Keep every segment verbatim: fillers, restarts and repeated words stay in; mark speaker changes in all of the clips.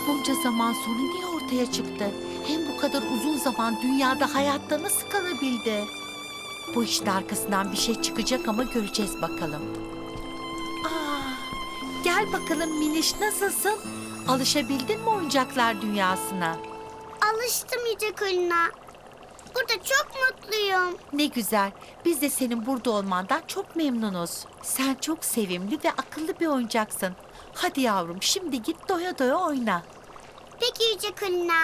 Speaker 1: Bunca zaman sonra niye ortaya çıktı? Hem bu kadar uzun zaman dünyada hayatta nasıl kalabildi? Bu işte arkasından bir şey çıkacak ama göreceğiz bakalım. Aa, gel bakalım Miniş, nasılsın? Alışabildin mi oyuncaklar dünyasına?
Speaker 2: Alıştım Yüce Kulina. Burada çok mutluyum.
Speaker 1: Ne güzel. Biz de senin burada olmandan çok memnunuz. Sen çok sevimli ve akıllı bir oyuncaksın. Hadi yavrum, şimdi git doya doya oyna.
Speaker 2: Peki Yüce Kulina.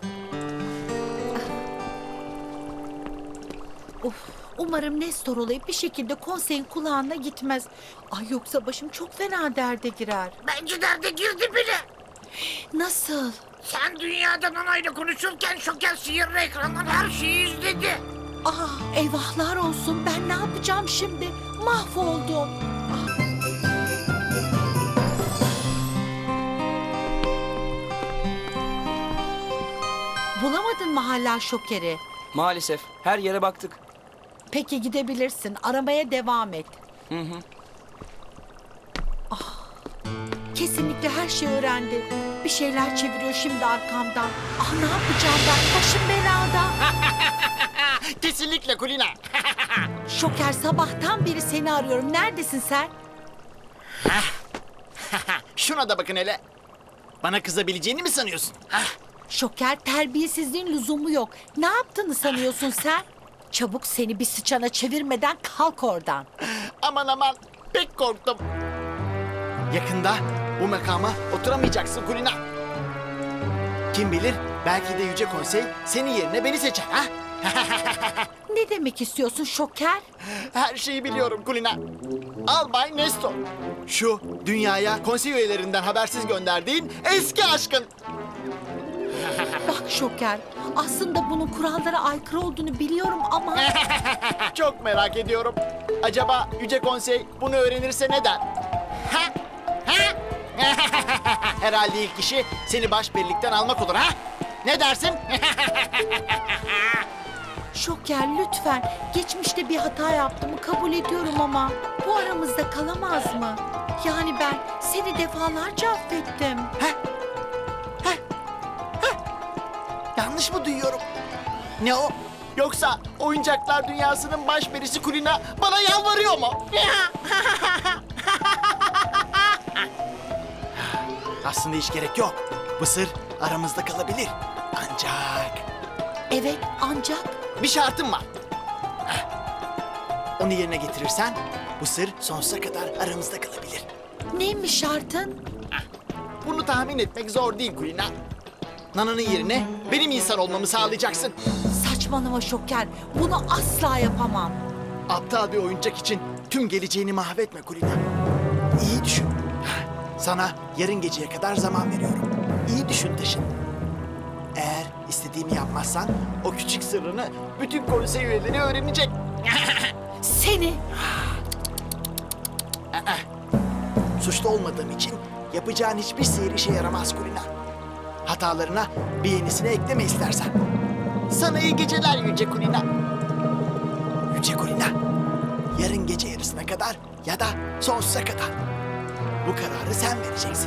Speaker 1: Of, umarım Nestor olayı bir şekilde konseyin kulağına gitmez. Ay yoksa başım çok fena derde girer.
Speaker 3: Bence derde girdi bile.
Speaker 1: Nasıl?
Speaker 3: Sen dünyadan anayla konuşurken Şoker sihirli ekrandan her şeyi izledi.
Speaker 1: Ah, eyvahlar olsun, ben ne yapacağım şimdi? Mahvoldum. Ah. Bulamadın mı hala Şoker'i?
Speaker 4: Maalesef her yere baktık.
Speaker 1: Peki gidebilirsin. Aramaya devam et.
Speaker 4: Hı hı.
Speaker 1: Kesinlikle her şeyi öğrendi. Bir şeyler çeviriyor şimdi arkamdan. Ah, ne yapacağım ben? Başım belada.
Speaker 3: Kesinlikle Kulina.
Speaker 1: Şoker, sabahtan beri seni arıyorum. Neredesin sen?
Speaker 3: Şuna da bakın hele. Bana kızabileceğini mi sanıyorsun? Hah.
Speaker 1: Şoker, terbiyesizliğin lüzumu yok. Ne yaptığını sanıyorsun sen? Çabuk, seni bir sıçana çevirmeden kalk oradan.
Speaker 3: Aman aman, pek korktum. Yakında bu makama oturamayacaksın Kulina. Kim bilir, belki de Yüce Konsey senin yerine beni seçer ha?
Speaker 1: Ne demek istiyorsun Şoker?
Speaker 3: Her şeyi biliyorum Kulina. Albay Nestor. Şu dünyaya konsey üyelerinden habersiz gönderdiğin eski aşkın.
Speaker 1: Bak Şoker, aslında bunun kurallara aykırı olduğunu biliyorum ama...
Speaker 3: Çok merak ediyorum. Acaba Yüce Konsey bunu öğrenirse ne der? Ha? Ha? Herhalde ilk işi seni başperilikten almak olur ha? Ne dersin?
Speaker 1: Şoker, lütfen. Geçmişte bir hata yaptığımı kabul ediyorum ama bu aramızda kalamaz mı? Yani ben seni defalarca affettim.
Speaker 3: Yanlış mı duyuyorum? Ne o? Yoksa oyuncaklar dünyasının başperisi Kulina bana yalvarıyor mu? Aslında hiç gerek yok. Bu sır aramızda kalabilir. Ancak
Speaker 1: Evet, ancak
Speaker 3: bir şartım var. Heh. Onu yerine getirirsen bu sır sonsuza kadar aramızda kalabilir.
Speaker 1: neymiş şartın?
Speaker 3: Bunu tahmin etmek zor değil Kulina. Nana'nın yerine benim insan olmamı sağlayacaksın.
Speaker 1: Saçmalama Şoker, bunu asla yapamam.
Speaker 3: Aptal bir oyuncak için tüm geleceğini mahvetme Kulina. İyi düşün. Sana yarın geceye kadar zaman veriyorum. İyi düşün taşın. Eğer istediğimi yapmazsan o küçük sırrını bütün konsey üyeleri öğrenecek.
Speaker 1: Seni...
Speaker 3: Suçlu olmadığım için yapacağın hiçbir sihir işe yaramaz Kulina. Hatalarına bir yenisini ekleme istersen. Sana iyi geceler Yüce Kulina. Yüce Kulina, yarın gece yarısına kadar ya da sonsuza kadar. Bu kararı sen vereceksin.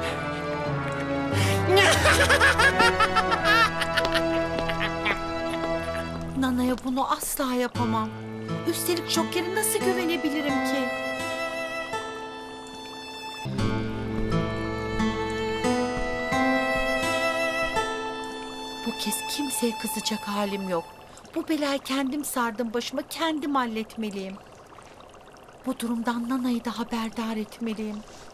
Speaker 1: Nana'ya bunu asla yapamam. Üstelik Şoker'e nasıl güvenebilirim ki? Bu kez kimseye kızacak halim yok. Bu belayı kendim sardım başıma, kendim halletmeliyim. Bu durumdan Nana'yı da haberdar etmeliyim.